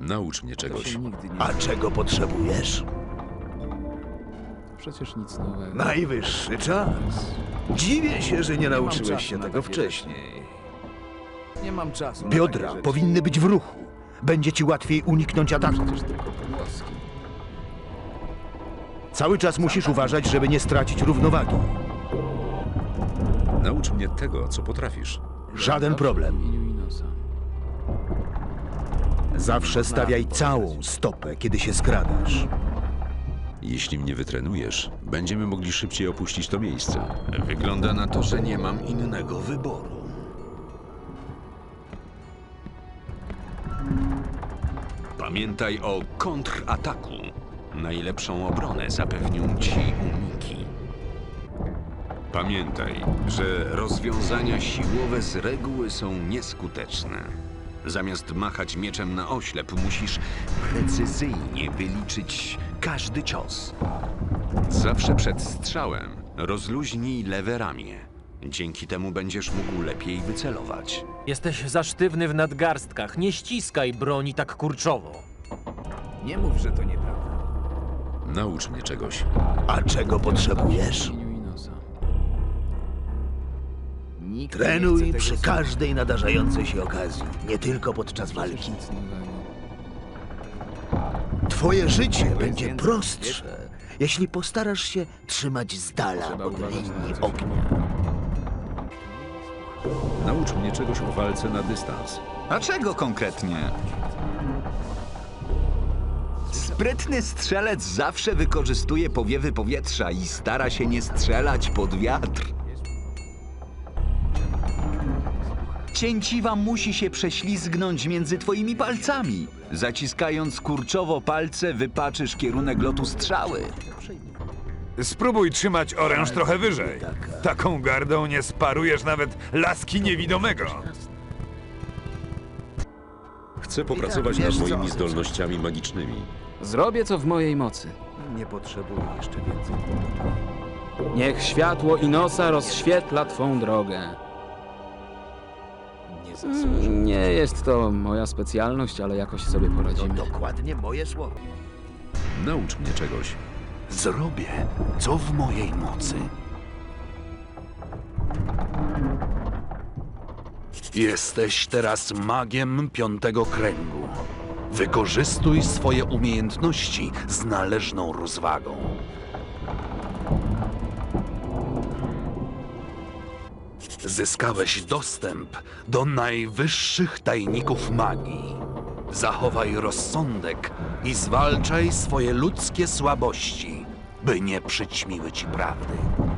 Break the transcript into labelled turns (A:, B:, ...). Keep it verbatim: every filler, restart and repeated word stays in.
A: Naucz mnie
B: To
A: czegoś.
B: się nigdy nie...
C: A czego potrzebujesz?
B: Przecież nic nowego.
C: Najwyższy czas. Dziwię się, że nie
B: mam
C: nauczyłeś
B: czasu
C: się
B: na
C: tego
B: takie
C: wcześniej.
B: Nie mam czasu. na
C: Biodra
B: takie rzeczy.
C: powinny być w ruchu. Będzie ci łatwiej uniknąć ataku.
B: Przecież tylko pogłoski.
C: Cały czas musisz uważać, żeby nie stracić równowagi.
A: Naucz mnie tego, co potrafisz.
C: Żaden
B: Zawsze
C: problem.
B: w imieniu Inosa.
C: Zawsze stawiaj całą stopę, kiedy się skradasz.
A: Jeśli mnie wytrenujesz, będziemy mogli szybciej opuścić to miejsce.
D: Wygląda na to, że nie mam innego wyboru. Pamiętaj o kontrataku. Najlepszą obronę zapewnią ci uniki. Pamiętaj, że rozwiązania siłowe z reguły są nieskuteczne. Zamiast machać mieczem na oślep, musisz precyzyjnie wyliczyć każdy cios. Zawsze przed strzałem rozluźnij lewe ramię. Dzięki temu będziesz mógł lepiej wycelować.
E: Jesteś za sztywny w nadgarstkach. Nie ściskaj broni tak kurczowo.
B: Nie mów, że to nieprawda.
A: Naucz mnie czegoś.
C: A czego potrzebujesz?
B: W imieniu Inosa. Nikt nie
C: Trenuj
B: chce
C: przy
B: tego
C: każdej nadarzającej się okazji, nie tylko podczas
B: słuchać.
C: walki.
B: Przecież nic nowego.
C: Twoje życie
B: jest
C: będzie
B: więcej,
C: prostsze, jeśli postarasz się trzymać z dala
B: Trzeba
C: od
B: uważać na
C: linii
B: coś
C: ognia.
A: Naucz mnie czegoś o walce na dystans.
F: A czego konkretnie? Sprytny strzelec zawsze wykorzystuje powiewy powietrza i stara się nie strzelać pod wiatr. Cięciwa musi się prześlizgnąć między twoimi palcami. Zaciskając kurczowo palce, wypaczysz kierunek lotu strzały.
G: Spróbuj trzymać oręż trochę wyżej. Taką gardą nie sparujesz nawet laski niewidomego.
A: Chcę popracować
C: wiesz
A: nad
C: co?
A: moimi zdolnościami magicznymi.
B: Zrobię co w mojej mocy.
C: Nie potrzebuję jeszcze więcej.
B: Niech światło Inosa rozświetla twą drogę.
C: Nie
B: Mm,
C: zasłużę.
B: Nie jest to moja specjalność, ale jakoś sobie
C: To
B: poradzimy.
C: dokładnie moje słowa.
A: Naucz mnie czegoś.
D: Zrobię, co w mojej mocy. Jesteś teraz magiem piątego kręgu. Wykorzystuj swoje umiejętności z należną rozwagą. Zyskałeś dostęp do najwyższych tajników magii. Zachowaj rozsądek i zwalczaj swoje ludzkie słabości, by nie przyćmiły ci prawdy.